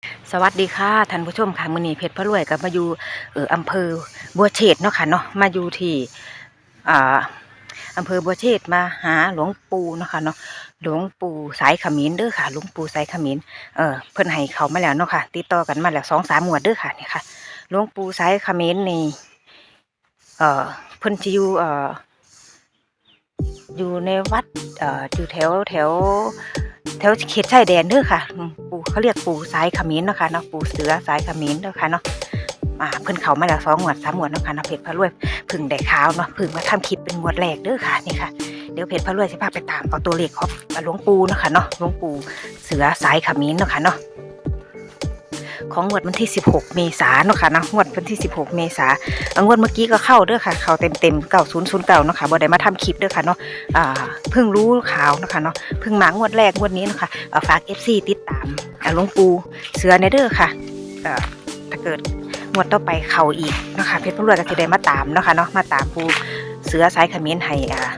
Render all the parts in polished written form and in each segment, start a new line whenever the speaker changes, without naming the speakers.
สวัสดีค่ะท่านผู้ชมค่ะมื้อนี้เพชรพระรวยก็มาอยู่อำเภอบัวเชษฐ์เนาะค่ะเนาะมาอยู่ที่อ่าอำเภอบัวเชษฐ์มาหาหลวงปู่เนาะค่ะเนาะหลวงปู่สายเขมรเด้อค่ะหลวงปู่สายเขมรเพิ่นให้เขามาแล้วเนาะค่ะติดต่อกันมาแล้ว2-3งวดเด้อค่ะนี่ค่ะหลวงปู่สายเขมรนี่เพิ่นสิอยู่ในวัดอยู่แถวเขตชายแดนเด้อค่ะปู่เขาเรียกปู่สายเขมรเนาะค่ะเนาะปู่เสือสายเขมรเด้อค่ะเนาะเพิ่นเข้ามาแล้ว2งวด3งวดเนาะค่ะเนาะเพชรพระรวยเพิ่งได้ข่าวเนาะเพิ่งมาทำคลิปเป็นงวดแรกเด้อค่ะนี่ค่ะเดี๋ยวเพชรพระรวยสิพาไปตามเอาตัวเลขของหลวงปู่เนาะค่ะเนาะหลวงปู่เสือสายเขมรเนาะค่ะเนาะของงวดวันที่16เมษายนเนาะค่ะเนาะงวดวันที่16เมษายนงวดเมื่อกี้ก็เข้าเด้อค่ะเข้าเต็ม9009เนาะค่ะบ่ได้มาทำคลิปเด้อค่ะเนาะเพิ่งรู้ข่าวเนาะค่ะเนาะเพิ่งมางวดแรกงวดนี้เนาะค่ะฝาก FC ติดตามหลวงปู่เสือในเด้อค่ะถ้าเกิดงวดต่อไปเข้าอีกเนาะค่ะเพชรพลวยก็สิได้มาตามเนาะค่ะเนาะมาตามปู่เสือสายเขมรให้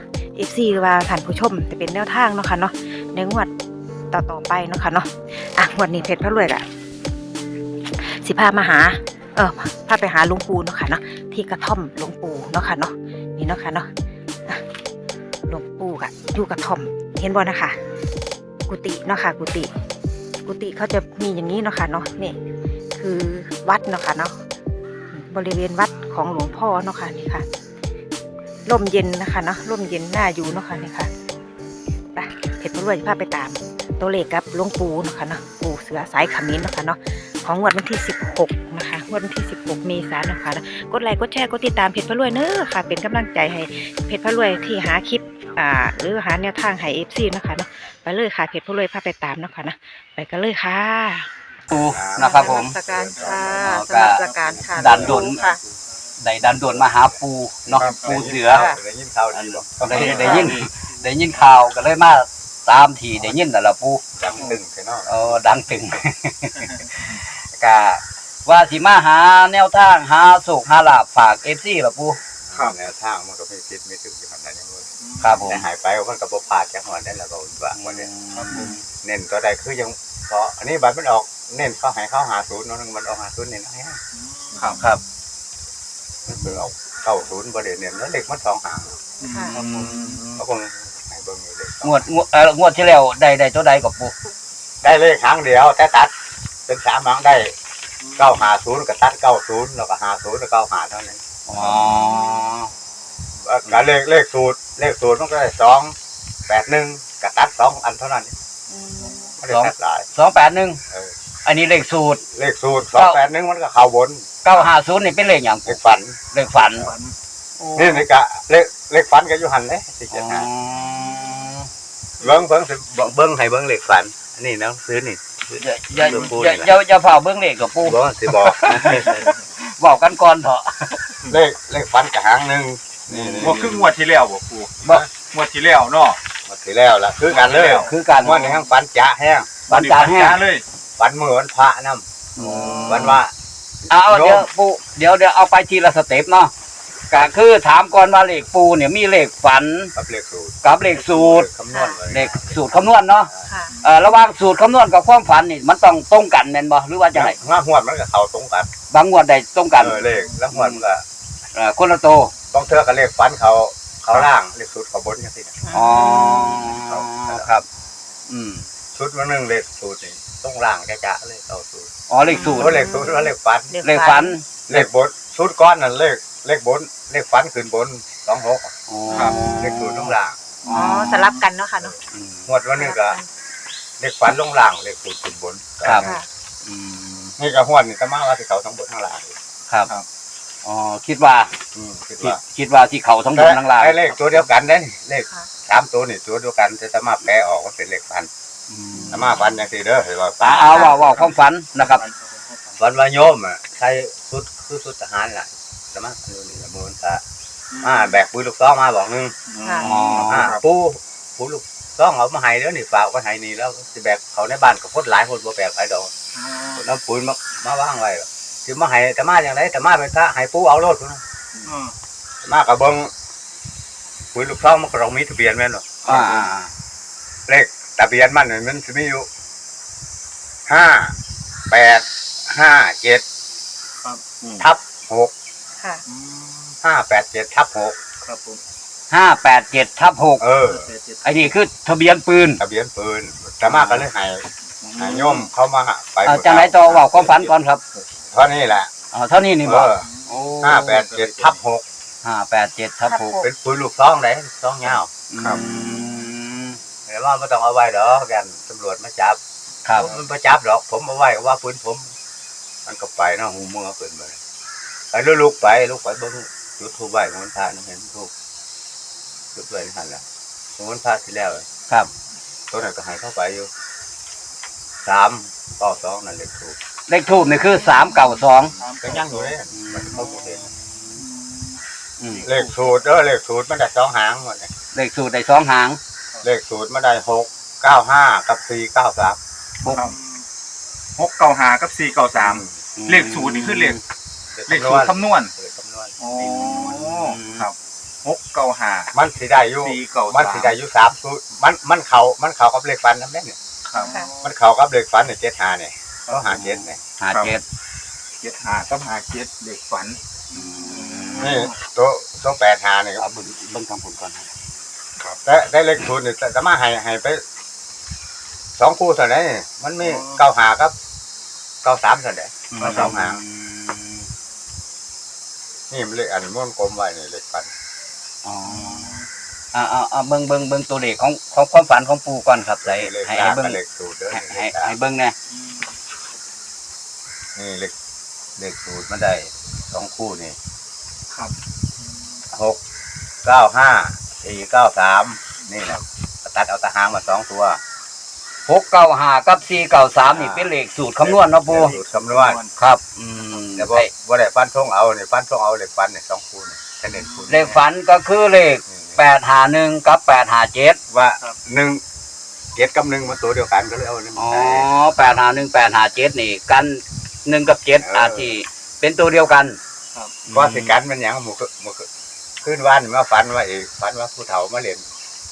FC ว่าท่านผู้ชมจะเป็นแนวทางเนาะค่ะเนาะในงวดต่อไปเนาะค่ะเนาะงวดนี้เพชรพลวยก็สิพามาหาพาไปหาหลวงปู่เนาะค่ะเนาะที่กระท่อมหลวงปู่เนาะค่ะเนาะนี่เนาะค่ะเนาะหลวงปู่กะอยู่กระท่อมเห็นบ่นะคะกุฏิเนาะค่ะกุฏิเขาจะมีอย่างนี้เนาะค่ะเนาะนี่คือวัดเนาะค่ะเนาะบริเวณวัดของหลวงพ่อเนาะค่ะนี่ค่ะร่มเย็นนะคะเนาะร่มเย็นน่าอยู่เนาะค่ะนี่ค่ะไปเพชรพลวยจะพาไปตามตัวเลขกับหลวงปู่เนาะค่ะเนาะปู่เสือสายเขมรเนาะค่ะเนาะของงวดวันที่16นะคะงวดวันที่16เมษายนนะคะกดไลค์กดแชร์กดติดตามเพจพระรวยเนอะค่ะเป็นกำลังใจให้เพจพระรวยที่หาคลิปหรือหาแนวทางให้ FC นะคะเนาะไปเลยค่ะเพจพระรวยพาไปตามเนาะค่ะนะไปกันเลยค่ะ
ปูนะครับผม
สการค่ะสำหรับสการค่ะ
ดันดน
ค่ะ
ได้ดันดนมาหาปูเนาะปูเสือ
ได้ยินข่าวดีบ่
ก็ได้ยินข่าวก็เลยมาตามที่ได้ยินนั่นแหละปู
ดังตึงแค่นอก
ดังตึงกะว่าสิมาหาแนวทางหาโศกหาลาภฝาก FC ล่ะปู
ครับแนวทางมันก็ไม่คิดไม่ถึงอยู่ขนาดนั้นเลย
ครับผม
หายไปมันก็บ่พลาดจังหวะนั้นแหละก็ว่าบ่ได้เน้นตัวใดคือยังเพราะอันนี้บัตรมันออกเน้นเข้าให้เข้า50เนาะมันออก50เน้นให้
ครับ
มันคือออก90บ่ได้เน้นแล้วเด็กมัน2หางเขาคงให้เบิ่งอยู่เลย
งวดที่แล้วได้ตัวใดกับปู
ได้เลขหางเดียวแต่ตัดเป็น3หางได้950ก็ตัด90แล้วก็50แล้ว95เท่านั้นก็เลขสูตรมันก็ได้281ก็ตัด2อันเท่านั้นไม่ได้ตัดหลาย
281อันนี้เลขสูตร
281มันก็เข้าบน
950นี่เป็นเลขหยัง
เลขฝันนี่ก็เลขฝันก็อยู่หั่นเด้สิเจ็ดหาเบิ่งสิเบิ่งให้เบิ่งเลขฝันอันนี้เนาะซื้อนี่
อย่าเฝ้าเบิ่งเลขกับปู่
บ่สิบอก
บอกกันก่อนเถอะ
เลขฝันก็หางนึง
นี่บ่คืองวดที่แล้วบ่ปู่บ่งวดที่แล้วเนาะ
งวดที่แล้วล่ะคือกันเลยงวดนี้ทั้งฝันจะแห้ง
ฝันจะแห้ง
เลย
ฝันมื้อวันพระนำวันว่า
เดี๋ยวปู่เดี๋ยวเอาไปทีละสเต็ปเนาะก็คือถามก่อนว่าเลขปู่เนี่ยมีเลขฝัน
กับเลขสูตร
คำนวณเลขสูตรคำนวณเนาะระหว่างสูตรคำนวณกับความฝันนี่มันต้องตรงกันแม่นบ่หรือว่าจังได๋
งวดมันก็เข้าตรงกัน
บางงวดได้ตรงกัน
เลขแล้วงวดมันก็
คนละโต
ต้องเทื่อกับเลขฝันเขาล่างเลขสูตรเขาบนจังซี่
ครับ
ชุดมันนึงเลขสูตรนี่ต้องล่างจ๊ะเลยเอาสูตร
เลขสูตร
ว่าเลขฝัน
เลขฝัน
เลขบนสูตรก้อนนั่นเลขบนเลขฝันขึ้นบน26
ครับ
เลขสูตรลงล่าง
สลับกันเนาะค่ะเนาะ
งวดวันนึงก็เลขฝันลงล่างเลขสูตรขึ้นบน
ครับ
นี่ก็ฮวดนี่ตะมาว่าสิเขาทั้งบนทั้งล่าง
ครับคิดว่าที่เขาทั้งบนทั้งล่าง
ไอ้เลขตัวเดียวกันเด้เลข3ตัวนี่ตัวเดียวกันแต่ตะมาแปลออกว่าเป็นเลขฝันตะมาฝันจังซี่เด้อให้ว่า
ว่าความฝันนะครับ
ฝันว่าโยมใช้ชุดคือชุดทหารล่ะตะมาอยู่นี่ละมูลตะแบกปืนลูกซองมาบอกนึงปูลูกซองเอามาให้แล้วนี่ฝากไว้ให้นี่แล้วสิแบกเขาในบ้านก็พดหลายคนบ่แบกไผดอกน้ำปืนมาวางไว้สิมาให้ตะมาจังได๋ตะมาเป็นตาให้ปูเอารถพุ่นมาก็เบิ่งปืนลูกซองมันก็ต้องมีทะเบียนแม่นบ่เลขทะเบียนมันสิมีอยู่5 8 587
ครับ
ทับ6
ค่ะ
587ทับ6
ครับผม
587/6 ไอ้นี่คือทะเบียนปืน
ทะเบียนปืนแต่มาก็เลยให้โยมเขามาไป
จังไหนต่อเว้าความฝันก่อนครับ
เท่านี้แหละ
เท่านี้นี่บ่
587ทับ6
587/6
เป็นปืนลูกซองได้ซองยาว
ครับ
แต่ว่าไม่ต้องเอาไว้ดอกกันตำรวจมาจับ
ครับ
มันมาจับดอกผมเอาไว้ว่าปืนผม มันก็ไปเนาะหูมือเปิดไปไปลูกไปเบิ้งจุดทูบไว้มันพาเห็นทูบจุดไว้นี่หันละมันพาที่แล้ว
ครับ
ตัวนั้นก็หายเข้าไปอยู่392นั่นเลขทูบ
เลขทูปนี่คือ392
ก็ยังอยู่เลยมันเข้าหมดเลย
อืม
เลขสูตรเลขสูตรมันได้2หางหมดเลย
เลขสูตรได้2หาง
เลขสูตรมันได้695กับ493
695กับ493เลขสูตรนี่คือเลขสูตรคำนวณ
เลขคำนวณ
อ๋อครับ695
มันสิได้อยู่
493
มันสิได้อยู่3สูตรมันเข้ากับเลขฟันนำได้เนี่ย
ครับ
มันเข้ากับเลขฟันเนี่ย75เนี่ยเขาหา7เนี่ย
57
75กับ57เลขฝัน
นี่ตัว85นี่
เอาเบิ่งทางผลก่อน
แต่ได้เลขสูตรนี่แต่มาให้ไป2คู่เท่านั้นมันมี95กับ93เท่านั้นมา2หางนี่มันเลขอันม้วนกลมไว้นี่เลขฟัน
อ๋อเบิ่งตัวเลขของความฝันของปู่ก่อนครับใส่
เลข
ให้
ล่าง
เบิ่ง
กับเลขสูตรเด้อ
ให้เบิ่งแน่
นี่เลขสูตรมันได้2คู่นี่
ครับ
695 493นี่นะตัดเอาตะหางมา2ตัว
695กับ493นี่เป็นเลขสูตรคำนวณเนาะปู่
สูตรคำนวณ
ครับ
แต่บ่ได้ฟันทงเอานี่ฟันทงเอาเลขฟันนี่2คู่นี่แค่เน้นคู่
เลขฝันก็คือเลข851กับ857
ว่า1 7กับ1มันตัวเดียวกันก็เลยเอานี่
อ๋อ851 857นี่กัน1กับ7อาจสิเป็นตัวเดียวกัน
ว่าสิกันมันหยังหมู่ขึ้นวันมาฝันว่าฝันว่าผู้เฒ่ามาเล่น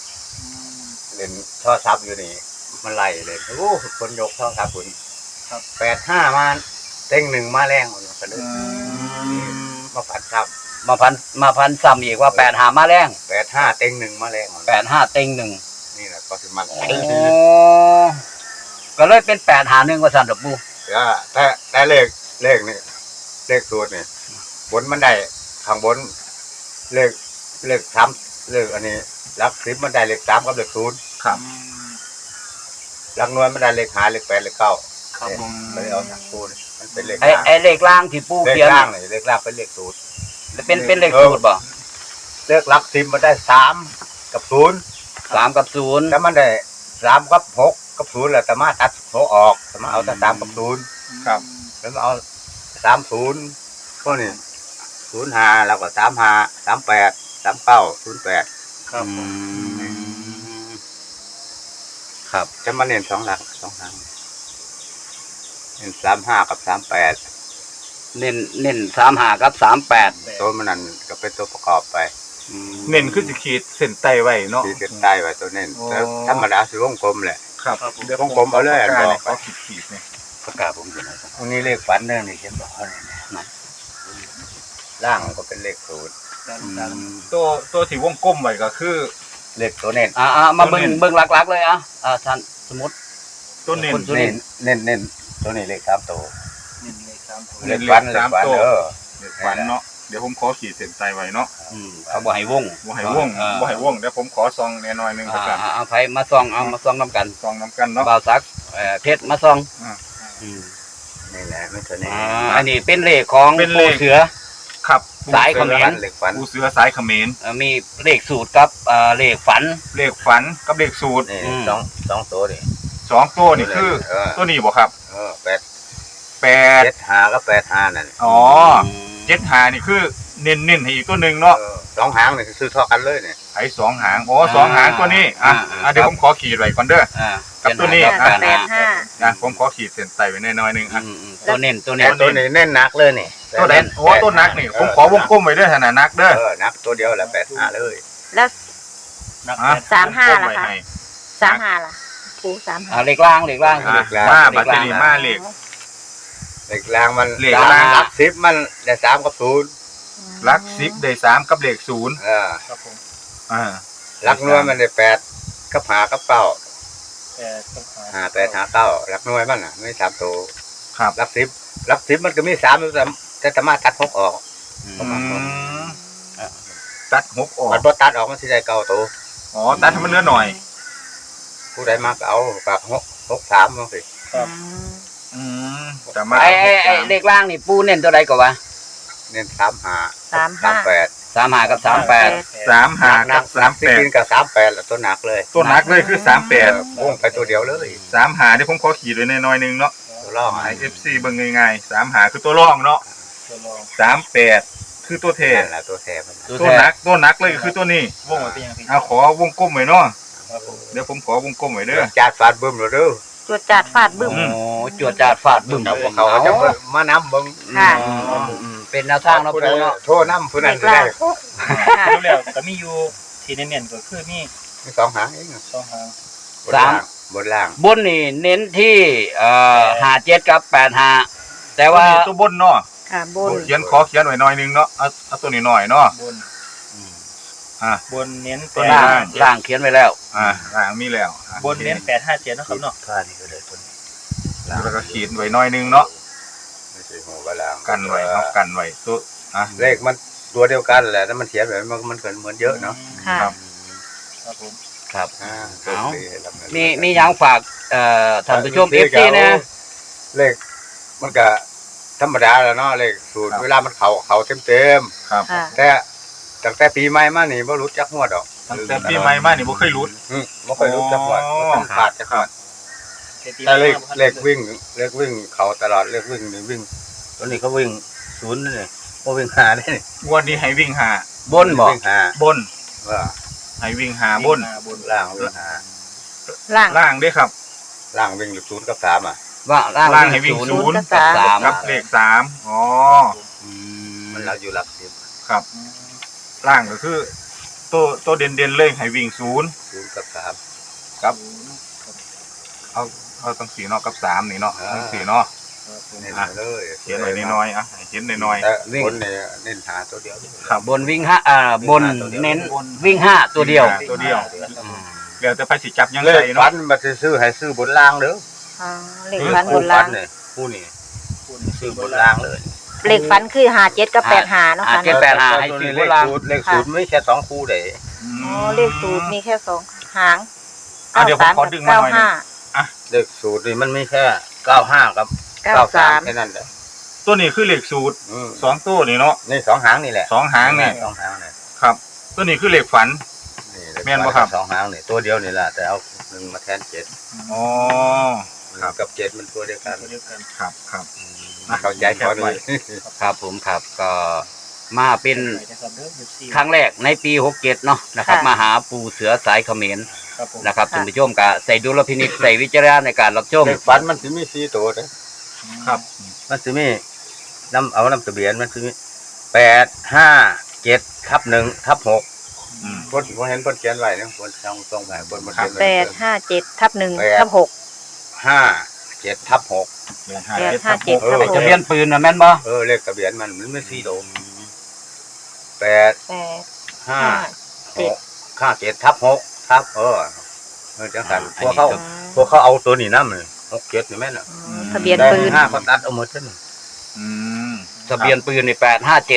ท่อซับอยู่นี่มันไล่เลยโอ้คนยกท่อซับคุณ85มาเต็ง1มาแรงมันก็เลยมาฝันครับ
มาพันซ้ำอีกว่า85มาแรง
85เต็ง1มาแรง
85เต็ง1
นี่แหละก็สิมัน
อ๋อก็เลยเป็น851ว่าซั่นดอกปู่
แต่เลขนี่เลขสูตรนี่บนมันได้ข้างบนเลข3เลขอันนี้หลัก10มันได้เลข3กับเลข0
ครับ
หลักหน่วยมันได้เลข5เลข8เลข9
ครับผม
เลยเอาจากคูณมันเป็นเลข
ไอ้เลขล่างที่ปู่
เลข
เขียน
ล่างเลยเลขล่างเป็นเลขสูตร
เป็นเลขสูตรบ่
เลขหลัก10มันได้3กับ0
3กับ0
แล้วมันได้3กับ6กับ0แล้วแต่มาตัด6ออกแต่มาเอาแต่3กับ0
ครับ
แล้วมาเอา30พวกนี้05แล้วก็35 38 39 08
ครับผม
ครับ
จะมาเน้น2หลัก2หางเน้น35กับ38
เน้น35กับ38
ตัวมันนั่นก็เป็นตัวประกอบไป
เน้นคือสิขีดเส้นใต้ไว้เนาะ
ที่เส้นใต้ไว้ตัวเน้นแล้วธรรมดาสิวงกลมแหละ
ครับ
วงกลมเอาเลยอันบอก
เขาขีดๆนี่
ประกาศผมอยู่ไหนครับ
ตรงนี้เลขฝันเรื่องนี่เขียนบอกเขาเลยนะล่างก็เป็นเลขสูตร
ตัวที่วงกลมไว้ก็คือ
เลขตัวเน้น
มาเบิ่งหลักๆเลยท่านสมมุติ
ตัวเน้น
ตัวเน้น
เน้นตัวนี้เลข3ตัวเล
เน้
ข
น
ฝัน
เล
เล
ข
ข
3
ฝัน
ตัว
เ
เลขฝันเนาะเดี๋ยวผมขอขีดเส้นใต้ไว้เนาะ
เขาบ่ให้วง
บ่ให้วงบ่ให้วงเดี๋ยวผมขอซองแน่หน่อยนึงก็กัน
เอาไผมาส่องมาส่องนํกัน
ซองน้ำกันเนาะ
บ่าวซักเพชรมาส่อง
นี่แหละไม่ตัวนี้
อันนี้เป็นเลขของปู่เสือ
ครับ
สายเขมร
เลขฝัน
ปูเสือสายเขมร
มีเลขสูตรกับเลขฝัน
เลขฝันกับเลขสูตร
นี่สองตัวนี่
2ตัวนี่คือตัวนี้บ่ครับ
8
8
7 5กับ8 5นั่น
อ๋อ75นี่คือเน้นๆให้อีกตัวนึงเนาะ
2หางนี่ซื้อเท่ากันเลยเนี่ย
ไอ้2หางอ๋อ2หางตัวนี้เดี๋ยวผมขอขีดไว้ก่อนเด้อ กับตัวนี้ นะผมขอขีดเส้นใต้ไว้แน่หน่อยนึงอ่ะ
ตัวเน้น
ตัวนี้เน้นหนักเลยนี่
ตัวไหนโอ้ตัวนักนี่ผมขอวงกลมไว้ด้วยขนาดนักเด้อ
นักตัวเดียวแหละ8 5เลย
แล้ว 35ล่ะคะ
ให้
35ล่ะปู35
เลขล่าง
มาบัตรนี้มาเลข
เลขล่างมัน
เลขล่าง
หลัก10มันได้3กับ0
หลัก10ได้3กับเลข0
ครับผม
หลักหน่วยมันได้8กับ5กับ9
8กับ5
5 8 5 9หลักหน่วยมันน่ะไม่3ตัว
ครับ
หลัก10มันก็มี3แต่สามารถตัด6ออก
ตัด6ออก
มันบ่ตัดออกมันสิได้9ตัว
อ๋อตัดให้มันเหลือหน่อย
ผู้ใดมาก็เอาแบบ6 3จังซี่
สามารถ
ไอ้เลขล่างนี่ปูเน้นตัวใดก็วะ
เน้น35 38
35กับ38
35กับ
ที่กินกับ38แล้วตัวหนักเลย
ตัวหนักเลยคือ38
วงไปตัวเดียวเลย
35เดี๋ยวผมขอขีดไว้หน่อยนึงเนาะ
ตัวล่อง
ให้ FC เบิ่งง่ายๆ35คือตัวรองเนาะ
ตัวรอง
38คือตัวเท
นั่นแหละตัวแทนมัน
ตัวหนักเลยคือตัวนี้
วงไว้เป็นยังพี่
เอาขอวงกลมไว้เนาะ
ครับผม
เดี๋ยวผมขอวงกลมไว้เด้อ
จาดฟาดบึ้มเลยเด้อ
จวดจาดฟาดบึ้ม
โอ้จวดจาดฟาดบึ้ม
เอาเขาจะมาน้ำบึ้ง
ค่ะ
เป็นแนวทางเนาะ
ผู้ใด
ปูเนาะ
โทษน้ำผู้นั้นได้
รู้แล้วก็มีอยู่ที่เน้นๆก็คือมี
มี2หางเอง
2หาง
บนล่าง
บนนี่เน้นที่57กับ85แต่ว่า
ตัวบนเนาะ
ค่ะบน
เขียนไว้หน่อยนึงเนาะเอาตัวนี้หน่อยเนาะ
บน
อ่า
บนเน้น
ตัว
ล่าง
857
ล่างเขียนไว้แล้ว
ล่างมีแล้วอ่ะ
บนเน้น857เนาะครับเนาะ
ท่านี่ก็เลยตัวนี้
แล้วก็ขีดไว้หน่อยนึงเนาะ
ไม่ใช่หัวบนล่าง
กันไว้เนาะกันไว้ตัวอ่ะ
เลขมันตัวเดียวกันแหละแต่มันเขียนแบบมันเกินเหมือนเยอะเนาะ
ค่ะ
ครับ
ครับผม
ครับ
ตัว
เอา
สี่ให้รับเงิน
มีหยังฝากท่านผู้ชม FC นะ
เลขมันก็ธรรมดาแล้วเนาะเลขสูตรเวลามันเขาเต็ม
ครับ
ค่ะ
แต่ตั้งแต่ปีใหม่มานี่บ่รู้จักหัวดอก
ตั้งแต่ปีใหม่มานี่บ่เคยรุด
บ่ค่อยรู้จักหัวบ่ต้องขาดจักหัว
ตี
แต่เลข
มา
เลขวิ่งเขาตลอดเลขวิ่งนี่วิ่งตัวนี้เขาวิ่ง0นี่บ่วิ่ง5ได้นี่
งวดนี้ให้วิ่งหา
บนบ่
วิ่ง5
บน
ว่า
ให้วิ่งหาบน
บน
ล่างวิ่ง
ล่าง
ล่างด้วยครับ
5ล่างวิ่งอยู่0กับ3อ่ะ
ว่าล่าง
ล่างให้วิ่ง
ศูนย์
0กับ
กับ
3
กับเลข3อ๋อ
มันเราอยู่หลัก10
ครับ ล่างก็คือ ตัวเด่นๆเลยให้วิ่ง
0กับ3
กับเอาตั้ง4เนาะกับ3นี่เนาะตั้ง4เนาะ
เน้นเลย
เขียนไว้น้อยๆอ่ะให้เขียนน้อย
แต่คนเนี่ยเน้นหาตัวเดียว
ครับ
บนวิ่ง5บนเน้นวิ่ง5ตัวเดียว
ตัวเดียวเดี๋ยวจะไปสิจับยัง
เล
ไง
ขฟั
เนาะ
นมาซื้อให้ซื้อบนล่างเด้อ
อ๋อเลขฟันบนล่าง
ผู้นี่ซื้อบนล่างเลย
เลขฟันคือ57กับ85เนาะค่ะ
เจ็ดแปดห้าให้ซื้อบนล่าง
เลขสูตรไม่แค่2คู่เด้
อ๋อเลขสูตรมีแค่2หาง
เดี๋ยวผมขอดึงมาหน่อยนึง
เลขสูตรนี่มันมีแค่95กับ93แค่นั้นแหละ
ตัวนี้คือเลขสูตร2ตัวนี่เนาะ
นี่2หางนี่แหละ
2หางนี่
2หางนี่
ครับ ตัวนี้คือเลขฝัน แม่นบ่ครับ
2หางนี่ตัวเดียวนี่แหละแต่เอา1มาแทน7
อ๋อ ครับ
กับ7มันตัวเดียวกัน
เดียวกัน
ครับครับ
เข้าใจพอดี
ครับผมครับก็มาเป็น
นะครับเด้อ FC
ครั้งแรกในปี67เนาะนะครับมาหาปู่เสือสายเขมร
ครับผม
นะครับท่านผู้ชมก็ใส่ดุลพินิจใส่วิจารณญาณในการรับชม
เลขฟันมันสิมี4ตัวเด้
ครับ
มันสิมีน้ำทะเบียนมันสิมี857/1/6
อืม
คนเห็นคนเขียนไว้เนี่ยคนตรงไหนบนมันเขียนไว้
857/1/6
57/6
ทะเบียนปืนนะแม่นบ่
เลขทะเบียนมันไม่4โดม8
8
5 6 57/6ครับจังสันพวกเขาเอาตัวนี้นำเลย67นี่แม่นน่ะ
ทะเบียนปืน
5เขาตัดเอาหมดซั่น
อืม
ทะเบียนปืนนี่857/6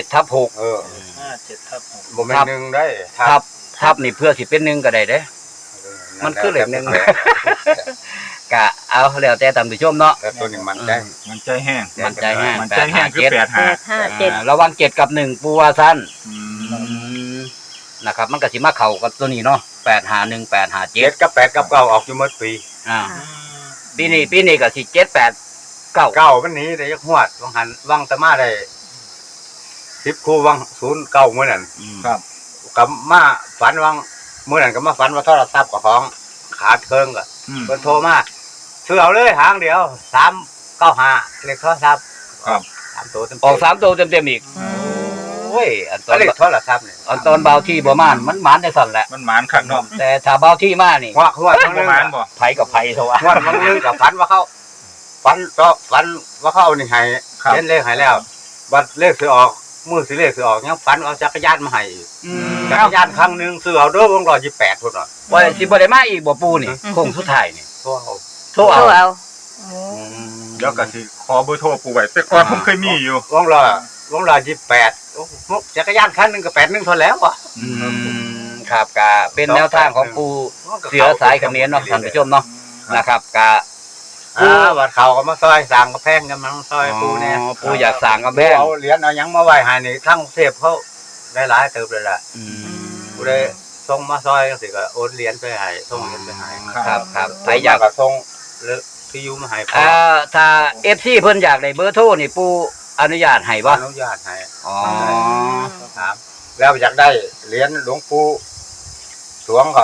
57/6
บ่แม่น1ได้
ทับนี่เพื่อสิเป็น1ก็ได้เด้ มันคือเลขหนึ่ง กะเอาแล้วแต่ท่านผู้ชมเนาะ
แต่ตัวนี้มันใจ
มันใจแห้ง
มันใจแห้ง
มันใจแห้งคือ
857
ระวัง7กับ1ปูว่าซั่น
8
นะครับมันก็สิมาเข้ากับตัวนี้เนาะ851 857
7กับ8กับ9ออกอยู่หมดปี
ปีนี้ก็สิ78
9มันหนีได้ยักฮวดวังตะมาได้10คู่วัง09มื้อนั้น
ครับ
กับมาฝันวังมื้อนั้นก็มาฝันว่าโทรศัพท์กับของขาดเครื่องก็เพิ่นโทรมาซื้อเอาเลยหางเดียว395เลขโทรศัพท์
ครับ
3ตัวเต็ม
ออก3ตัวเต็มๆอีกโอ้ยอันตอน
เลขโทรศัพท์นี่
ตอนเบาที่บ่มานมันหมานได้สั่นแหละ
มันหมานคักเนาะ
แต่ถ้าเบาที่มานี่
ฮวด
มันบ่หมานบ่
ไผกับไผเท่าว่า
ฮวดมันนึงกับฝันว่าเขาฝันว่าเขาเอานี่ให้เล่นเลขให้แล้วบัดเลขสิออกมือสิเลขสิออกยังฝันเอาจักรยานมาให้อีกจักรยานครั้งหนึงซื้อเอาเด้อวง128พุ่นน่ะ
ว่าสิบ่ได้มาอีกบ่ปูนี่โค้งสุดท้ายนี่
โทรเอา
โทร
โทร
เอา
เอา
เดี๋ยวก็สิขอเบอร์โทรปู่ไว้แต่ก่อนผมเคยมีอยู่
วง128โอ้จักรยานคันหนึงก็81เท่าแล้ววะ
ครับก็เป็นแนวทางของปูเสือสายเขมรเนาะท่านผู้ชมเนาะนะครับก็
วัดเขาก็มาซอยสร้างกระแพงกันมาซอยปูเนี่ย
ปูอยากสร้างกำแพง
เอาเหรียญเอาหยังมาไหว้ให้นี่ทั้งเทพเขาได้หลายเติบเลยล่ะผู้ใดส่งมาซอยก็สิก็โอนเหรียญไปให้ส่งเหรียญไปให้
ครับครับ
ใค
ใค
ร
รอยาก ก
อายก็ส่งหรือที่อยู่มาให้พ่อ
ถ้า FC เพิ่นอยากได้เบอร์โทรนี่ปูอนุญาตให้บ่
อนุญาตให้
อ๋อ
ถามแล้วอยากได้เหรียญหลวงปู่สวงก็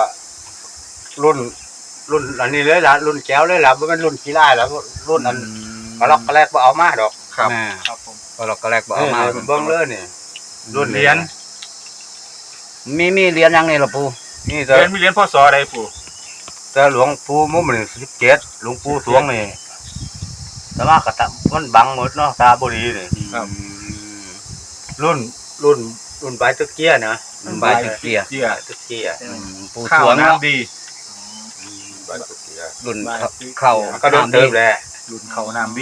รุ่นอันนี้เลยล่ะรุ่นแก้วเลยล่ะบ่แม่นรุ่นกีฬาแล้วรุ่นอันกระลอกกระแลกบ่เอามาดอก
ครับ
ครับผม
ก็เราก็แรกบ่เอามา
เบิ่งเลยนี่รุ่น
เหรียญ
มีเหรียญยังนี่ล่ะปู
นี่
เหรียญมีเหรียญพศใดปู่
แต่หลวงปู่มุมนี่17หลวงปู่สวงนี่แต่ว่าก็มันบังหมดเนาะตาบ่ดีนี่
ครับ
รุ่นใบตะเกียนะ
ใบตะเกีย
เจีย
ตะเกีย
ปู
ข้า
ส
ว
วงเนาะ
น้ำดี
ใบตะเกีย
รุ่นเข้า
ก็โดนเติมแหละ
รุ่นข้าวน้ำดี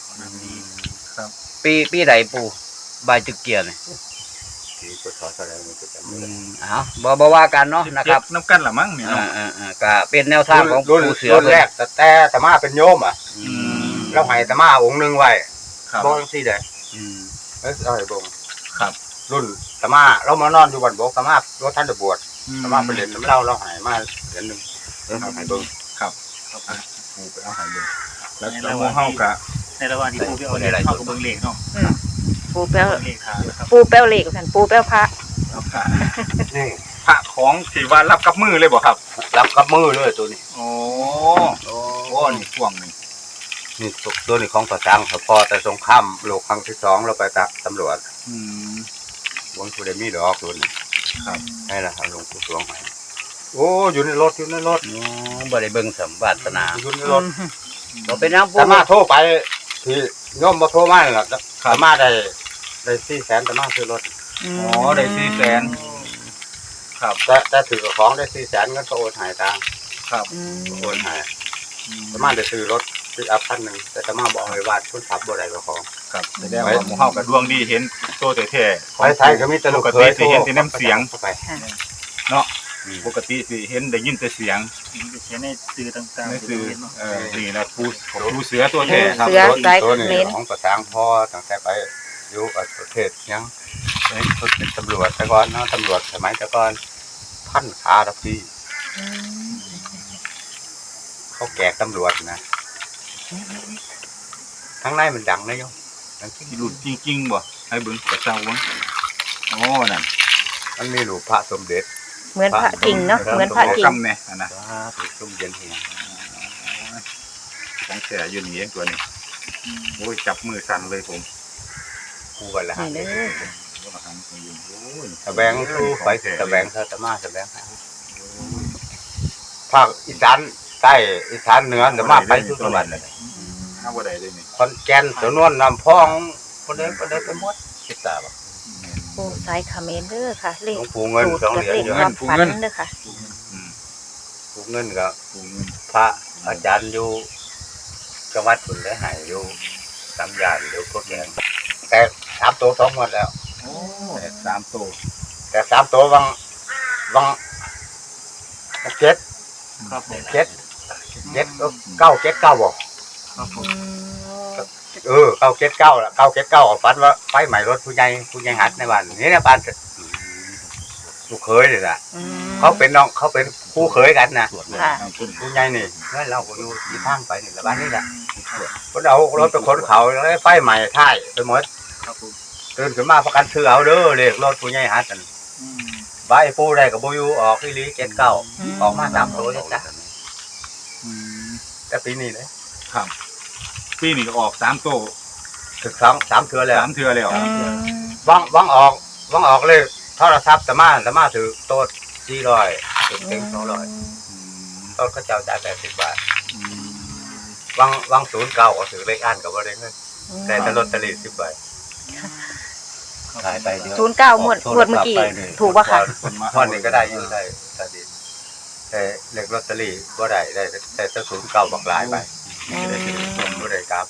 ปีใดปูใบตะเกียนี่
ที่ก็ถอดอะไรมันก็จำไม่ได้
บ่ว่ากันเนาะนะครับ
น้ำกันละมั้งเนี่ยเนาะ
ก็เป็นแนวทางของ
รุ่น
ปูเสือ
รุ่นแรกแต่ตมาเป็นโยมอ่ะ
อืม
แล้วให้ตมาองค์หนึงไว้
ครับ
บ่จังซี่ได้
อืม
เอาให้บ่ง
ครับ
รุ่นตมาเรามานอนอยู่บ้านบ่ตมาบ่ทันได้บวชตมาไปเล่นน้ำเราให้มาเหรียญนึงให้เบิ่ง
ปู่ไปเอาใหายเลยแล้วหมู่เฮากะ
ในระหว่างที่ปูไปเอาเลขเข้ากับเบิ่งเลขเนาะ
ปูแป้ว
เบิ่งเลขทางนะครับ
ปูแป้วเหล็กกันปูแป้วพระ
เอาค่ะ
นี่
พระของที่ว่ารับกับมือเลยบ่ครับ
รับกับมือเลยตัวนี้
โอ้โอ้นี่พ่วงนี่
นี่ตัวนี้ของต่อจังพอแต่สงครามโลกครั้งที่2เราไปตักตำรวจ
อืม
หลวงปู่ได้มีดอกตัวนี้
ครับ
ให้ล่ะหลวงปู่สวงให้โอ้อยู่ในรถ
บ่ได้เบิ่งสมบัตินา
อยู่ในรถ
บ่เป็นหยังปู
แต่มาโทรไปที่โยมมาโทรมานี่ล่ะแต่มาได้400,000แต่มาซื้อรถ
อ๋อได้400,000ครับ
แต่ถือของได้400,000เงินก็โอนให้ตาง
ครับ
โอนให้แต่มาได้ซื้อรถซื้ออัพคันหนึงแต่มาบอกให้วาดทุนทรัพย์บ่ได้ก็ของ
ครับแสดงว่าหมู่เฮาก็ดวงดีเห็นตัวแท้ๆ
ไปไทยก็มีแต่ลูก
ปก
เค
ติ
ย
สิเห็นแต่น้ำเสียง
เข้าไป
เนาะปกติสิเห็นได้ยินแต่เสียง
มีไปเขียนในสื่อต่างๆ
นี่
ที่
คือ
เราเห็นเนาะ
นี่นะปูเสือตัวแท้ครับ
เสือสาย
ตัว
เข
นี้
มร
ของประทางพ่อตั้งแต่ไปอยู่ประเทศยังเป็นตำรวจแต่ก่อนเนาะตำรวจสมัยแต่ก่อนพันขาทับที่เขาแกกตำรวจนะทั้งในมันดังนะโยมดังที่
ที่หลุดจริงๆบ่ให้เบิ่งกระเจ้าเบิ่งอ๋อนั่น
มันมีหลูกพระสมเด็จ
เหมือนพระจริงเนาะเหมือนพระ
ขอ
จริง
กำแน่อันนะ
ถูกชุ่มเย็นเฮีย
ของแท้อยู่นี่เองตัวนี้โอ้ยจับมือสั่นเลยผม
คู่กันแล้ว
นี่เด้อ
ตะแบงคู่ไปตะแบงเธอตะมาตะแบงภาคอีสานใต้อีสานเหนือตะมาไปทุกจังหวัดเลย
เอาบ่ได้เลยนี่
ขอนแก่นสวนนวลน้ำพองคนเดินไปหมดคิดตาบ่
ปูสายเขมรเด้อค่ะ เล
หล
ข
วงปู่เงิน
สูตร
สอง
กับ
เหรียญ
เลข
อยู่
ความฝันเด้อค่ะ
ปู่เงินกับ
ปูเงิน
พระอาจารย์อยู่จังหวัดสุนทรหายอยู่สามยานอยู่พวกนี้แต่3 ตัว 2 หมดแล้ว
โอ้3ตัว
แต่3 ตัววังเจ็ด
ครับผม
เจ็ดเก้าเจ็ดเก้าบอก
ครับผม
979ล่ะ979ฝันว่าไฟไหม้รถผู้ใหญ่หัดในบ้านนี่นะบ้านลูกเขยนี่ล่ะเขาเป็นน้องเขาเป็นคู่เขยกันนะ
ค่ะ
ผู้ใหญ่นี่แล้วเราก็อยู่ที่ทางไปนี่ละบ้านนี่ล่ะเพิ่นเอารถไปขนเขาแล้วไฟไหม้ท้ายไปหมด
ครับผม
ตื่นขึ้นมาประกันซื้อเอาเด้อเลขรถผู้ใหญ่หัดนั่น
อืม
ใบปูได้ก็บ่อยู่ออกอีหลี79ออกมา3ตัวจ้ะแต่ปีนี้เลย
ครับปีนี้ก็ออก3ตัว
ถึง3เทื่อแล้ว
3เทื่อแล้ว
วังออกเลยโทรศัพท์ตะมาถือโต๊ะ400ถึง200ต้นก็เจ้าจ่าย80 บาทวัง09ก็ถือเลขอ่านก็บ่ได้เงินแต่ลอตเตอรี่10ใบ
ขายไปเดี๋ยว
09งวดเมื่อกี้ถูกป่ะคะ
วันนี้ก็ได้อยู่ได้ตาดีแต่เลขลอตเตอรี่บ่ได้แต่09บักหลายใบบ่ได้ครับ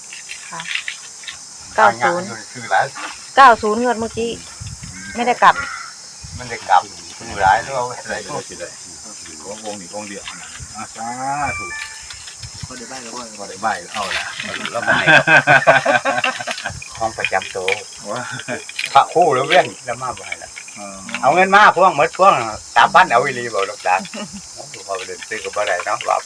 90
คือหลาย
90งวดเมื่อกี้ไม่ได้กลับ
มันได้กลับคือหลายแล้วเอาอะไรก็สิได้
วงนี้วงเดียวสาธุ
ก็ได้บ้านแล้วว่า
บ่ได้ใบเอาละ
แล้วมาให้ของประจำตัว
ว่า
พระครู่แล้วเว้นแล้วมาบ่ให้ละเอาเงินมาพวงหมดพวง3,000เอาอีหลีบ่ลูกหลานพอไปเดินซื้อก็บ่ได้เนาะว่าไป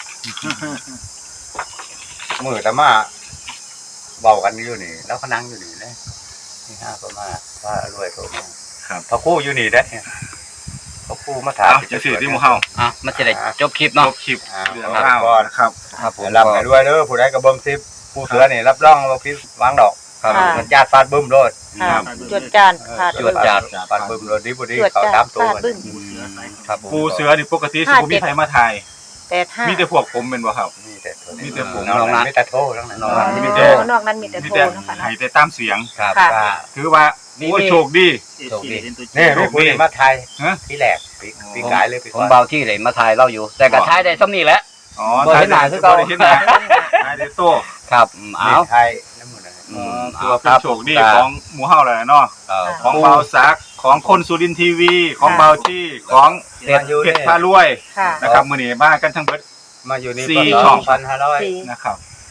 มื้อแต่มาเว้ากันอยู่นี่แล้วก็นั่งอยู่นี่นะนี่5ประมาณว่ารวยโตมา
ครับ
พระครู่อยู่นี่เด้พระครู่มาถาม
เอาจะสื่อที่หมู่เฮา
อ่ะมันจะได้จบคลิป
จ
เนาะ
บคลิป
เรื่
เรื่
อ
อง ง
ราร
าว ว
ก่อน
นะครับ
ครับผม
รับให้ด้วยเด้อผู้ใดก็เบิ่ง10ผู้เสือนี่รับรองว่าผิดหวังดอก
ครับ
ค่ะ
มันญาติฟาดบึ้มโลด
ค่ะจวดจานขาด
จวดจาน
ฟาดบึ้มโลดดีบ่ดี
จวด
เขา
จาน
3ตัว
ฟาดบึ้ม
ครับผม
ปูเสือนี่ปกติสิบ่มีใครมาถ่าย
85
มีแต่พวกผมเป็นบ่ครับ
มีแต่ตัว
มีแต่ผม
น้องนั้นมีแต่โทรทั้งนั้น
น้องนั้น
มีแต่
นอกนั้นมีแต่
มี
โทร
แต่
นะคะ
ให้แต่ตามเสียง
ครับ
ค่ะ
ก็
ถือว่า
มี
โอ้ยโชคดี
นี่มีผู้นี้มาไทย
ฮะ
ที่แรกปีกายเลยปี
ผม
ก่อน
เบาที่เลยมาถ่ายเราอยู่ แต่ก็ถ่ายได้ซ้ำนี่แหละ
อ๋อ
บ่เห็นหน้าคือเก่า
บ่ได้เห็นหน้าถ่ายได้โต
ครับเอา
ไทยน้ำมันนะ
ถือว่าเป็นโชคดีของหมู่เฮาแหละเนาะ
เอ่อ
ของเบาซักของคนสุรินทร์ทีวีของเบาที่ของ
มาอยู่
เพชร
นี่
พารวย
ค่ะ
นะครับมื้อนี้มากันทั้งเบิด
มาอยู่นี่
สี่
ปี
ช่อง
2,500
นะครับ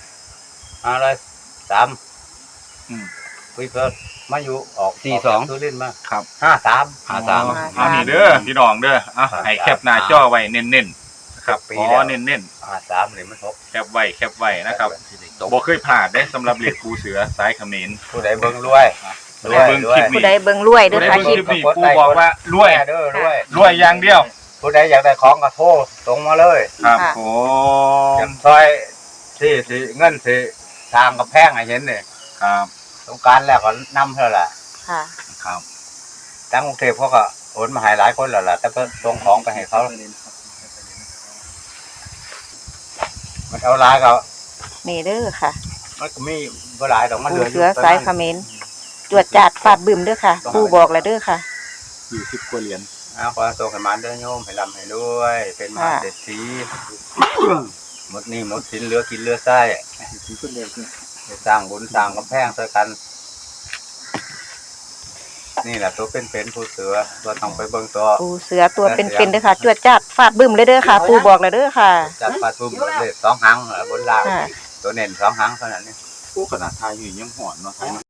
503
อืม
คุยเพิ่มมาอยู่ออก
42
สุรินทร์มา
ครับ
53
53
อันนี้เด้อพี่น้องเด้ออ่ะให้แคปหน้าจอไว้เน้นๆนะครับ
ปี
อ๋อ
แล้ว
เน้น
53นี่มันหก
ๆแคปไว้นะครับบ่เคยพลาดได้สำหรับเหล็กปูเสือสายเขมร
ผู้ใดเบิ่งรวย
ผู้ใดเบิ่งคลิป
ผู้ใดเบิ่งรวยเด้
ผู้
อ
ใด
ค่ะ
เบิ่ง
ค
ค
ลิ
ลิ
ป
ปนี้ปูบอกว่ารวย
เด้อรวย
รวยอย่างเดียว
ผู้ใดอยากได้ของก็โทรตรงมาเลย
ครับ
ค่ะ
โอ้
อย่างซอยที่เงินที่ทางกระแพงให้เห็นนี่
ครับ
ต้องการแล้วก็นำเท่าล่ะ
ค่ะ
ครับ
ทั้งกรุงเทพเขาก็โอนมาให้หลายคนแล้วล่ะแต่เพิ่นส่งของไปให้เขามันเอาหลายก็
นี่เด้อค่ะ
มันก็มีบ่หลายดอกมัน
ปู
เหลือ
เสือสายเขมรจวดจาดฟาดบึ้มเด้อค่ะปูบอกแล้วเด้อค่ะ
40กว่าเหรียญ
เอาขอส่งให้มันเด้อโยมให้ร่ำให้รวย เป็นมหาเศรษฐีหมดหนี้หมดสินเหลือกินเหลือใช้ให้สร้างบุญสร้างกำแพงช่วยกัน นี่แหละตัวเป็นผู้เสือตัวต้องไปเบิ่งตัว
ปูเสือตัวเป็นๆเด้อค่ะจวดจาดฟาดบึ้มเลยเด้อค่ะ ปูบอกแล้วเด้อค่ะ
จัดปลาทุ่มเลย2หางบนล่าง
ค่ะ
ตัวเน้น2หางเท่านั้นนี่
ปูขนาดทายอยู่ยังหอนเนาะ